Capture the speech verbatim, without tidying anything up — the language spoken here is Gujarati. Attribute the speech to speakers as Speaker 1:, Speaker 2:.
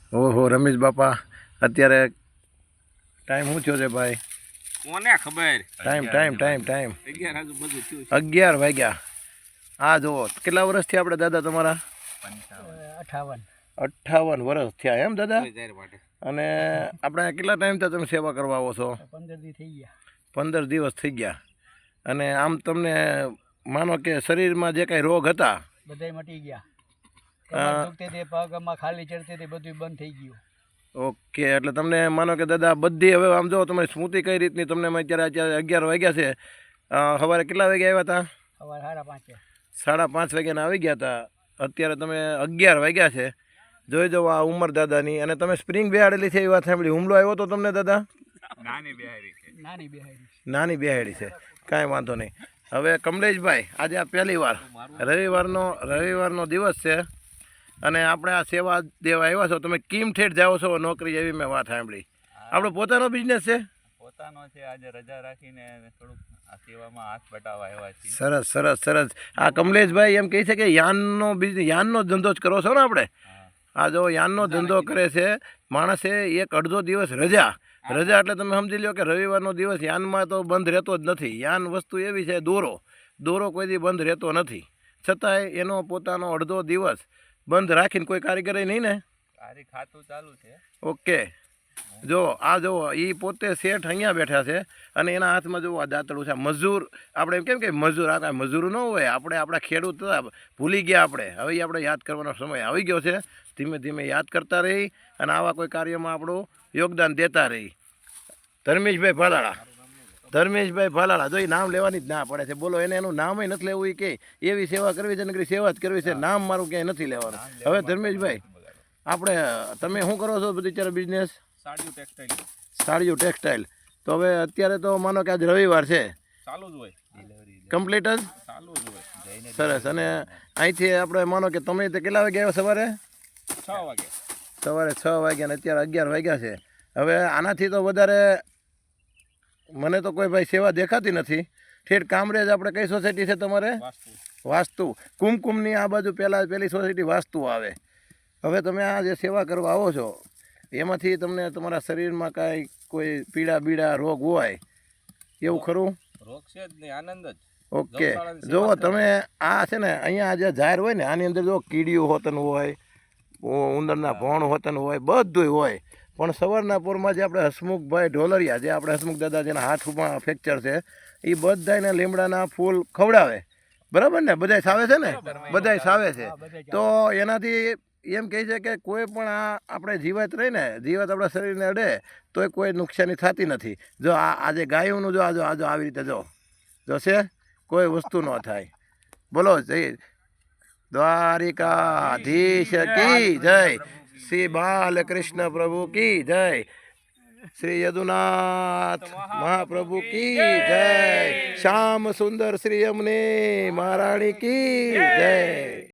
Speaker 1: ઓહો રમેશ બાપા, અત્યારે ટાઈમ શું થયો છે ભાઈ?
Speaker 2: કોને ખબર?
Speaker 1: ટાઈમ ટાઈમ ટાઈમ ટાઈમ
Speaker 2: અગિયાર આજુબાજુ થયું છે.
Speaker 1: અગિયાર વાગ્યા. આ જુઓ, કેટલા વર્ષથી આપણે દાદા તમારા?
Speaker 3: અઠાવન
Speaker 1: અઠ્ઠાવન વર્ષ થયા એમ દાદા?
Speaker 2: કોઈ જાહેર માટે.
Speaker 1: અને આપણે કેટલા ટાઈમથી તમે સેવા કરવા આવો છો?
Speaker 3: પંદર દી થઈ ગયા.
Speaker 1: પંદર દિવસ થઈ ગયા. અને આમ તમને માનો કે શરીરમાં જે કાંઈ રોગ હતા
Speaker 3: બધાય મટી ગયા.
Speaker 1: અ,
Speaker 3: કમર દુખતી હતી, પગમાં ખાલી ચડતી હતી, બધું બંધ થઈ ગયું.
Speaker 1: ઓકે, એટલે તમને માનો કે દાદા બધી હવે આમ જો તમારી સ્મૃતિ કઈ રીતની તમને અત્યારે અત્યારે અગિયાર વાગ્યા છે. અ, સવારે કેટલા વાગ્યા આવ્યા હતા?
Speaker 3: સવારે સાડા પાંચે.
Speaker 1: સાડા પાંચ વાગ્યાના આવી ગયા હતા. અત્યારે તમે અગિયાર વાગ્યા છે. જોઈ જાઓ આ ઉંમર દાદાની. અને તમે સ્પ્રિંગ બેહાડેલી છે એ વાત સાંભળી. હુમલો આવ્યો તો તમને દાદા?
Speaker 2: નાની બિહારી છે.
Speaker 3: નાની બેહાડી.
Speaker 1: નાની બેહાડી છે, કાંઈ વાંધો નહીં. હવે કમલેશભાઈ, આજે આ પહેલી વાર રવિવારનો રવિવારનો દિવસ છે અને આપણે આ સેવા દેવા આવ્યા છો. તમે કેમ ઠેઠ જાઓ છો નોકરી, એવી મેં વાત સાંભળી. આપણો પોતાનો બિઝનેસ છે?
Speaker 2: પોતાનો છે. આજે રજા રાખીને થોડુંક આ સેવામાં હાથ બટાવવા આવ્યા છીએ.
Speaker 1: સરસ સરસ સરસ. આ કમલેશભાઈ એમ કહે છે કે યાનનો બિઝનેસ, યાનનો ધંધો જ કરો છો ને આપણે? આ જો યાનનો ધંધો કરે છે માણસે. એક અડધો દિવસ રજા રજા એટલે તમે સમજી લો કે રવિવારનો દિવસ યાનમાં તો બંધ રહેતો જ નથી. યાન વસ્તુ એવી છે, દોરો દોરો કોઈ દી બંધ રહેતો નથી. છતાંય એનો પોતાનો અડધો દિવસ બંધ રાખીને કોઈ કારીગર નહીં ને?
Speaker 2: તારી ખાતું ચાલુ છે.
Speaker 1: ઓકે, જો આ જુઓ, એ પોતે શેઠ અહીંયા બેઠા છે અને એના હાથમાં જુઓ આ દાંતડું છે. મજૂર આપણે એમ કેમ કે મજૂર, આ કાંઈ મજૂર ન હોય. આપણે આપણા ખેડૂત હતા, ભૂલી ગયા આપણે. હવે એ આપણે યાદ કરવાનો સમય આવી ગયો છે. ધીમે ધીમે યાદ કરતા રહી અને આવા કોઈ કાર્યમાં આપણું યોગદાન દેતા રહી. ધર્મેશભાઈ ભાલાળા, ધર્મેશભાઈ ભાલાળા, જો એ નામ લેવાની જ ના પડે છે. બોલો, એને એનું નામ નથી લેવું. એ કે એવી સેવા કરવી છે, નકરી સેવા જ કરવી છે. નામ મારું ક્યાંય નથી લેવાનું. હવે ધર્મેશભાઈ, આપણે તમે શું કરો છો બિચારા બિઝનેસ?
Speaker 2: સાડીઓ ટેક્સટાઇલ
Speaker 1: સાડીઓ ટેક્સટાઇલ. તો હવે અત્યારે તો માનો કે આજ રવિવાર છે,
Speaker 2: ચાલુ જ હોય. ડિલિવરી
Speaker 1: કમ્પ્લીટ જ?
Speaker 2: ચાલુ જ હોય. જઈને
Speaker 1: સરસ. અને અહીંથી આપણે માનો કે તમે તે કેટલા વાગે આવ્યા સવારે?
Speaker 2: છ વાગે.
Speaker 1: સવારે છ વાગ્યા ને અત્યારે અગિયાર વાગ્યા છે. હવે આનાથી તો વધારે મને તો કોઈ ભાઈ સેવા દેખાતી નથી. ઠેઠ કામરેજ આપણે કઈ સોસાયટી છે તમારે?
Speaker 2: વાસ્તુ.
Speaker 1: વાસ્તુ. કુમકુમની આ બાજુ પહેલાં પહેલી સોસાયટી વાસ્તુ આવે. હવે તમે આ જે સેવા કરવા આવો છો એમાંથી તમને તમારા શરીરમાં કાંઈ કોઈ પીડા બીડા રોગ હોય એવું ખરું?
Speaker 2: રોગ છે જ નહીં, આનંદ જ.
Speaker 1: ઓકે, જુઓ તમે આ છે ને અહીંયા જે જાહેર હોય ને આની અંદર જો કીડીયું હોતન હોય, ઉંદરના ભોણ હોતન હોય, બધું હોય. પણ સવારના પોરમાં જે આપણે હસમુખભાઈ ઢોલરિયા, જે આપણે હસમુખ દાદા જેના હાથમાં ફ્રેક્ચર છે, એ બધાને લીમડાના ફૂલ ખવડાવે. બરાબર ને? બધાય સાવે છે ને? બધાય સાવે છે. તો એનાથી એમ કહે છે કે કોઈ પણ આ આપણે જીવત રહીને, જીવત આપણા શરીરને અડે તોય કોઈ નુકસાની થતી નથી. જો આ આજે ગાયોનું જો આજો આજો આવી રીતે જો જોશે કોઈ વસ્તુ ન થાય. બોલો જય દ્વારિકાધીશ કી જય, શ્રી બાલકૃષ્ણ પ્રભુ કી જય, શ્રી યદુનાથ મહાપ્રભુ કી જય, શ્યામ સુંદર શ્રી અમને મહારાણી કી જય.